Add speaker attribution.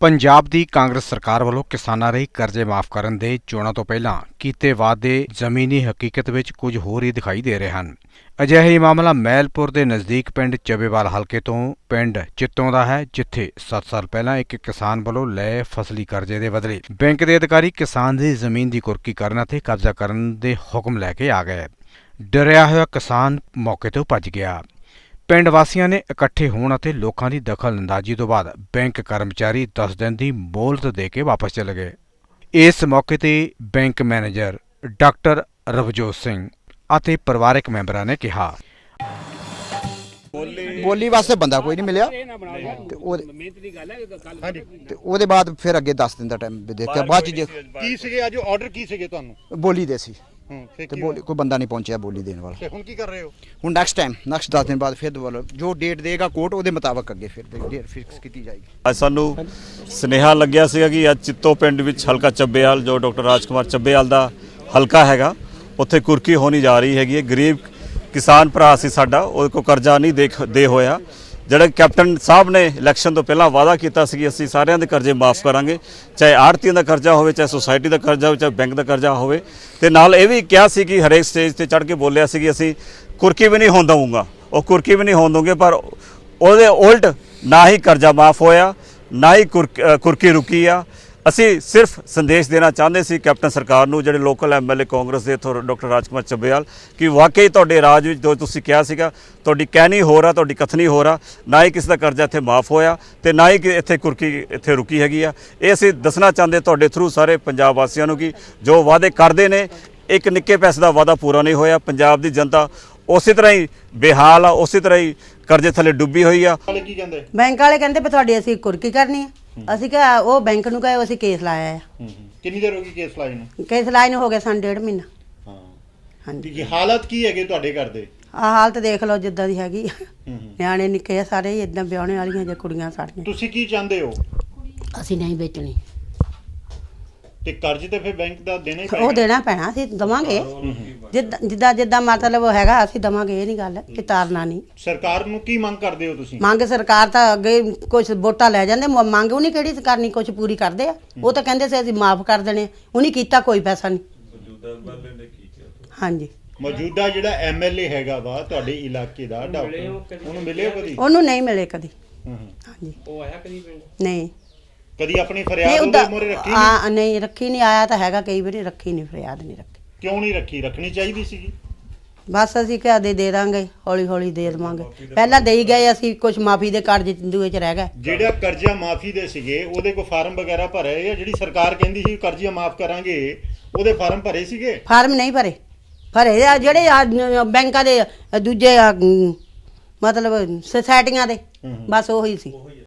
Speaker 1: ਪੰਜਾਬ ਦੀ ਕਾਂਗਰਸ ਸਰਕਾਰ ਵੱਲੋਂ ਕਿਸਾਨਾਂ ਲਈ ਕਰਜ਼ੇ ਮਾਫ਼ ਕਰਨ ਦੇ ਚੋਣਾਂ ਤੋਂ ਪਹਿਲਾਂ ਕੀਤੇ ਵਾਅਦੇ ਜ਼ਮੀਨੀ ਹਕੀਕਤ ਵਿੱਚ ਕੁਝ ਹੋਰ ਹੀ ਦਿਖਾਈ ਦੇ ਰਹੇ ਹਨ। ਅਜਿਹਾ ਹੀ ਮਾਮਲਾ ਮਹਿਲਪੁਰ ਦੇ ਨਜ਼ਦੀਕ ਪਿੰਡ ਚੱਬੇਵਾਲ ਹਲਕੇ ਤੋਂ ਪਿੰਡ ਚਿੱਤੋਂ ਦਾ ਹੈ, ਜਿੱਥੇ 7 ਸਾਲ ਪਹਿਲਾਂ ਇੱਕ ਕਿਸਾਨ ਵੱਲੋਂ ਲਏ ਫਸਲੀ ਕਰਜ਼ੇ ਦੇ ਬਦਲੇ ਬੈਂਕ ਦੇ ਅਧਿਕਾਰੀ ਕਿਸਾਨ ਦੀ ਜ਼ਮੀਨ ਦੀ ਕੁਰਕੀ ਕਰਨ ਅਤੇ ਕਬਜ਼ਾ ਕਰਨ ਦੇ ਹੁਕਮ ਲੈ ਕੇ ਆ ਗਏ। ਡਰਿਆ ਹੋਇਆ ਕਿਸਾਨ ਮੌਕੇ ਤੋਂ ਭੱਜ ਗਿਆ। ਪਿੰਡ ਵਾਸੀਆਂ ਨੇ ਇਕੱਠੇ ਹੋਣ ਅਤੇ ਲੋਕਾਂ ਦੀ ਦਖਲਅੰਦਾਜ਼ੀ ਤੋਂ ਬਾਅਦ ਬੈਂਕ ਕਰਮਚਾਰੀ 10 ਦਿਨ ਦੀ ਮੋਹਲਤ ਦੇ ਕੇ ਵਾਪਸ ਚਲੇ ਗਏ। ਇਸ ਮੌਕੇ ਤੇ bank manager doctor Ravjot Singh ਅਤੇ ਪਰਿਵਾਰਕ ਮੈਂਬਰਾਂ ਨੇ ਕਿਹਾ,
Speaker 2: ਬੋਲੀ ਵਾਸਤੇ ਬੰਦਾ ਕੋਈ ਨਹੀਂ ਮਿਲਿਆ ਤੇ ਉਹਦੇ ਬਾਅਦ ਫਿਰ ਅੱਗੇ 10 ਦਿਨ ਦਾ ਟਾਈਮ ਦਿੱਤਾ। ਬਾਅਦ ਚ
Speaker 3: ਕੀ ਸੀਗੇ ਅੱਜ ਆਰਡਰ ਕੀ ਸੀਗੇ ਤੁਹਾਨੂੰ?
Speaker 2: ਬੋਲੀ ਦੇ ਸੀ ਤੇ ਬੋਲੀ ਕੋਈ ਬੰਦਾ ਨਹੀਂ ਪਹੁੰਚਿਆ ਬੋਲੀ ਦੇਣ ਵਾਲਾ।
Speaker 3: ਤੇ ਹੁਣ ਕੀ ਕਰ ਰਹੇ ਹੋ?
Speaker 2: ਹੁਣ ਨੈਕਸਟ 10 ਦਿਨ ਬਾਅਦ ਫਿਰ ਦੁਬਾਰਾ ਜੋ ਡੇਟ ਦੇਗਾ ਕੋਰਟ ਉਹਦੇ ਮੁਤਾਬਕ ਅੱਗੇ ਫਿਰ ਡੇਟ ਫਿਕਸ ਕੀਤੀ ਜਾਏਗੀ।
Speaker 4: ਅੱਜ ਸਾਨੂੰ ਸੁਨੇਹਾ ਲੱਗਿਆ ਸੀਗਾ ਕਿ ਅੱਜ ਚਿੱਤੋ ਪਿੰਡ ਵਿੱਚ ਹਲਕਾ ਚੱਬੇਵਾਲ ਜੋ ਡਾਕਟਰ ਰਾਜਕੁਮਾਰ ਚੱਬੇਵਾਲ ਦਾ ਹਲਕਾ ਹੈਗਾ, ਉੱਥੇ ਕੁਰਕੀ ਹੋਣੀ ਜਾ ਰਹੀ ਹੈਗੀ ਹੈ। ਗਰੀਬ ਕਿਸਾਨ ਭਰਾ ਸੀ ਸਾਡਾ, ਉਹਦੇ ਕੋਲ ਕਰਜ਼ਾ ਨਹੀਂ ਦੇ ਹੋਇਆ। ਜਿਹੜਾ ਕੈਪਟਨ ਸਾਹਿਬ ਨੇ ਇਲੈਕਸ਼ਨ ਤੋਂ ਪਹਿਲਾਂ ਵਾਅਦਾ ਕੀਤਾ ਸੀ ਕਿ ਅਸੀਂ ਸਾਰਿਆਂ ਦੇ ਕਰਜ਼ੇ ਮਾਫ ਕਰਾਂਗੇ, ਚਾਹੇ ਆੜ੍ਹਤੀਆਂ ਦਾ ਕਰਜ਼ਾ ਹੋਵੇ, ਚਾਹੇ ਸੁਸਾਇਟੀ ਦਾ ਕਰਜ਼ਾ ਹੋਵੇ, ਚਾਹੇ ਬੈਂਕ ਦਾ ਕਰਜ਼ਾ ਹੋਵੇ। ਤੇ ਨਾਲ ਇਹ ਵੀ ਕਿਹਾ ਸੀ ਕਿ ਹਰੇਕ ਸਟੇਜ ਤੇ ਚੜ੍ਹ ਕੇ ਬੋਲਿਆ ਸੀ ਕਿ ਅਸੀਂ ਕੁਰਕੀ ਵੀ ਨਹੀਂ ਹੋਣ ਦਊਂਗਾ, ਉਹ ਕੁਰਕੀ ਵੀ ਨਹੀਂ ਹੋਣ ਦਊਂਗੇ। ਪਰ ਉਹਦੇ ਉਲਟ ਨਾ ਹੀ ਕਰਜ਼ਾ ਮਾਫ ਹੋਇਆ, ਨਾ ਹੀ ਕੁਰਕੀ ਰੁਕੀ ਆ। ਅਸੀਂ ਸਿਰਫ ਸੰਦੇਸ਼ ਦੇਣਾ ਚਾਹੁੰਦੇ ਸੀ ਕੈਪਟਨ ਸਰਕਾਰ ਨੂੰ, ਜਿਹੜੇ ਲੋਕਲ ਐਮਐਲਏ ਕਾਂਗਰਸ ਦੇ ਇੱਥੋਂ ਡਾਕਟਰ ਰਾਜਕੁਮਾਰ ਚੱਬੇਵਾਲ, ਕਿ ਵਾਕਈ ਤੁਹਾਡੇ ਰਾਜ ਵਿੱਚ ਜੋ ਤੁਸੀਂ ਕਿਹਾ ਸੀਗਾ ਤੁਹਾਡੀ ਕਹਿਣੀ ਹੋ ਰਿਹਾ, ਤੁਹਾਡੀ ਕਥਨੀ ਹੋ ਰਿਹਾ। ਨਾ ਹੀ ਕਿਸੇ ਦਾ ਕਰਜ਼ਾ ਇੱਥੇ ਮਾਫ ਹੋਇਆ ਤੇ ਨਾ ਹੀ ਇੱਥੇ ਕੁਰਕੀ ਇੱਥੇ ਰੁਕੀ ਹੈਗੀ ਆ। ਇਹ ਅਸੀਂ ਦੱਸਣਾ ਚਾਹੁੰਦੇ ਤੁਹਾਡੇ ਥਰੂ ਸਾਰੇ ਪੰਜਾਬ ਵਾਸੀਆਂ ਨੂੰ ਕਿ ਜੋ ਵਾਅਦੇ ਕਰਦੇ ਨੇ, ਇੱਕ ਨਿੱਕੇ ਪੈਸੇ ਦਾ ਵਾਅਦਾ ਪੂਰਾ ਨਹੀਂ ਹੋਇਆ। ਪੰਜਾਬ ਦੀ ਜਨਤਾ ਉਸੇ ਤਰ੍ਹਾਂ ਹੀ ਬੇਹਾਲ ਆ, ਉਸੇ ਤਰ੍ਹਾਂ ਹੀ ਕਰਜ਼ੇ ਥੱਲੇ ਡੁੱਬੀ ਹੋਈ ਆ।
Speaker 3: ਕੀ ਕਹਿੰਦੇ?
Speaker 5: ਬੈਂਕ ਵਾਲੇ ਕਹਿੰਦੇ ਵੀ ਤੁਹਾਡੀ ਅਸੀਂ ਕੁਰਕੀ ਕਰਨੀ ਹੈ। ਅਸੀਂ ਕਿਹਾ ਉਹ ਬੈਂਕ ਨੂੰ ਕਹੇ ਅਸੀਂ ਕੇਸ ਲਾਇਆ ਆ।
Speaker 3: ਕਿੰਨੀ ਦੇਰ ਹੋ ਗਈ ਕੇਸ ਲਾਏ ਨੂੰ?
Speaker 5: ਕੇਸ ਲਾਏ ਨੂੰ ਹੋ ਗਿਆ ਸਾਨੂੰ 1.5 ਮਹੀਨਾ।
Speaker 3: ਹਾਂ
Speaker 5: ਹਾਂਜੀ।
Speaker 3: ਕੀ ਹਾਲਾਤ ਕੀ ਹੈਗੇ ਤੁਹਾਡੇ ਘਰ ਦੇ?
Speaker 5: ਆਹ ਹਾਲਤ ਦੇਖ ਲਓ ਜਿੱਦਾਂ ਦੀ ਹੈਗੀ। ਨਿਆਣੇ ਨਿੱਕੇ ਆ ਸਾਰੇ, ਇਦਾਂ ਵਿਆਹਣੇ ਵਾਲੀਆਂ ਜੇ ਕੁੜੀਆਂ ਸਾਡੀਆਂ।
Speaker 3: ਤੁਸੀਂ ਕੀ ਚਾਹੁੰਦੇ ਹੋ?
Speaker 5: ਅਸੀਂ ਨਹੀਂ ਵੇਚਣੀ।
Speaker 3: ਤੇ ਕਰਜ਼ ਤੇ ਫਿਰ ਬੈਂਕ ਦਾ ਦੇਣਾ ਹੀ ਪਏਗਾ।
Speaker 5: ਉਹ ਦੇਣਾ ਪੈਣਾ, ਅਸੀਂ ਦਵਾਂਗੇ ਜਿੱਦਾਂ ਮਤਲਬ ਹੈਗਾ ਅਸੀਂ ਦਵਾਂਗੇ। ਇਹ ਨਹੀਂ ਗੱਲ ਕਿ ਤਾਰਨਾ ਨਹੀਂ।
Speaker 3: ਸਰਕਾਰ ਨੂੰ ਕੀ ਮੰਗ ਕਰਦੇ ਹੋ ਤੁਸੀਂ?
Speaker 5: ਮੰਗ ਸਰਕਾਰ ਤਾਂ ਅੱਗੇ ਕੁਝ ਵੋਟਾਂ ਲੈ ਜਾਂਦੇ, ਮੰਗ ਉਹਨੇ ਕਿਹੜੀ ਕਰਨੀ, ਕੁਝ ਪੂਰੀ ਕਰਦੇ ਆ। ਉਹ ਤਾਂ ਕਹਿੰਦੇ ਸੀ ਅਸੀਂ ਮਾਫ ਕਰ ਦੇਣੇ, ਉਹਨੇ ਕੀਤਾ ਕੋਈ ਪੈਸਾ ਨਹੀਂ। ਹਾਂਜੀ।
Speaker 3: ਮੌਜੂਦਾ ਜਿਹੜਾ ਐਮਐਲਏ ਹੈਗਾ ਵਾ ਤੁਹਾਡੇ ਇਲਾਕੇ ਦਾ, ਉਹਨੂੰ ਮਿਲੇ ਕਦੀ?
Speaker 5: ਉਹਨੂੰ ਨਹੀਂ ਮਿਲੇ ਕਦੀ। ਹਾਂਜੀ।
Speaker 3: ਉਹ ਆਇਆ ਕਦੀ ਪਿੰਡ?
Speaker 5: ਨਹੀਂ
Speaker 3: ਕਦੀ ਆਪਣੀ ਫਰਿਆਦ ਉਹਦੇ ਮੂਹਰੇ ਰੱਖੀ ਨਹੀਂ?
Speaker 5: ਨਹੀਂ ਰੱਖੀ ਨਹੀਂ। ਆਇਆ ਤਾਂ ਹੈਗਾ ਕਈ ਵਾਰੀ, ਰੱਖੀ ਨਹੀਂ, ਫਰਿਆਦ ਨਹੀਂ ਰੱਖੀ।
Speaker 3: ਕਿਉਂ ਨਹੀਂ ਰੱਖੀ? ਰੱਖਣੀ ਚਾਹੀਦੀ ਸੀਗੀ।
Speaker 5: ਬਸ ਅਸੀਂ ਕਿਹਾ ਦੇ ਦਾਂਗੇ, ਹੌਲੀ ਹੌਲੀ ਦੇ ਦੇਵਾਂਗੇ। ਪਹਿਲਾਂ ਦੇ ਹੀ ਗਏ ਅਸੀਂ, ਕੁਝ ਮਾਫੀ ਦੇ ਕਾਰਜ ਦੂਏ ਚ ਰਹਿ ਗਏ। ਜਿਹੜਾ
Speaker 3: ਕਰਜ਼ਾ ਮਾਫੀ ਦੇ ਸੀਗੇ ਉਹਦੇ ਕੋਈ ਫਾਰਮ ਵਗੈਰਾ ਭਰੇ ਜਾਂ ਜਿਹੜੀ ਸਰਕਾਰ ਕਹਿੰਦੀ ਸੀ ਕਰਜ਼ਾ ਮਾਫ ਕਰਾਂਗੇ ਉਹਦੇ ਫਾਰਮ ਭਰੇ ਸੀਗੇ?
Speaker 5: ਫਾਰਮ ਨਹੀਂ ਭਰੇ ਆ ਜਿਹੜੇ ਬੈਂਕਾਂ ਦੇ ਦੂਜੇ ਮਤਲਬ ਸੁਸਾਇਟੀਆਂ ਦੇ, ਬਸ ਉਹੀ ਸੀ।